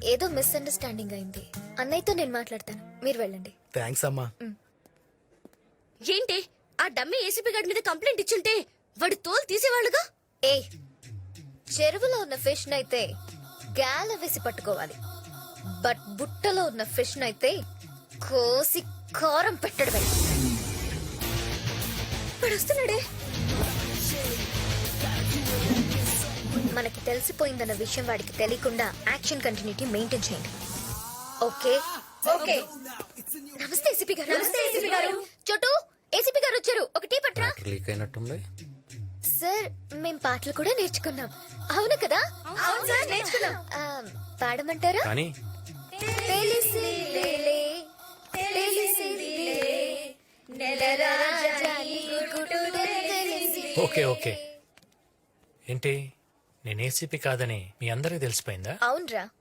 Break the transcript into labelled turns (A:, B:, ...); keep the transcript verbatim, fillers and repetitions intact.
A: ఏదో మిస్అండర్స్టాండింగ్ అయింది. అన్నయ్యతో నేను మాట్లాడతాను, మీరు వెళ్ళండి.
B: థ్యాంక్స్ అమ్మా.
C: ఏంటి ఆ డమ్మీ ఏసీపీ గారి మీద కంప్లైంట్ ఇచ్చుంటే వాడి తోలు తీసేవాళ్ళుగా.
A: ఏ చెరువులో ఉన్న ఫిష్ నైతే గాల వేసి పట్టుకోవాలి, బట్ బుట్టలో ఉన్న ఫిష్ నైతే కోసి కారం పెట్టడమే. వాడు వస్తున్నాడే. మనకి తెలిసిపోయిందన్న విషయం వాడికి తెలియకుండా యాక్షన్ కంటిన్యూటీ మెయింటైన్ చేయండి. Okay okay. నమస్తే ఏసీపీ గారు. నమస్తే ఏసీపీ గారు. చోటు, ఏసీపీ గారు వచ్చారు, ఒక టీ పట్రా.
D: లీక్ అయినట్టుంది.
A: సార్ మేం పాటలు కూడా నేర్చుకున్నాం. అవును కదా? అవును సార్, నేర్చుకున్నాం. ఆ, పాడమంటారా?
D: కానీ
A: తెలిసిలేలే, తెలిసిలేలే, నెలరాజాని గుడుడు తెలిసిలేలే.
E: Okay okay. ఏంటి నేను ఏసీపీ కాదని మీ అందరికి తెలిసిపోయిందా?
A: అవునరా,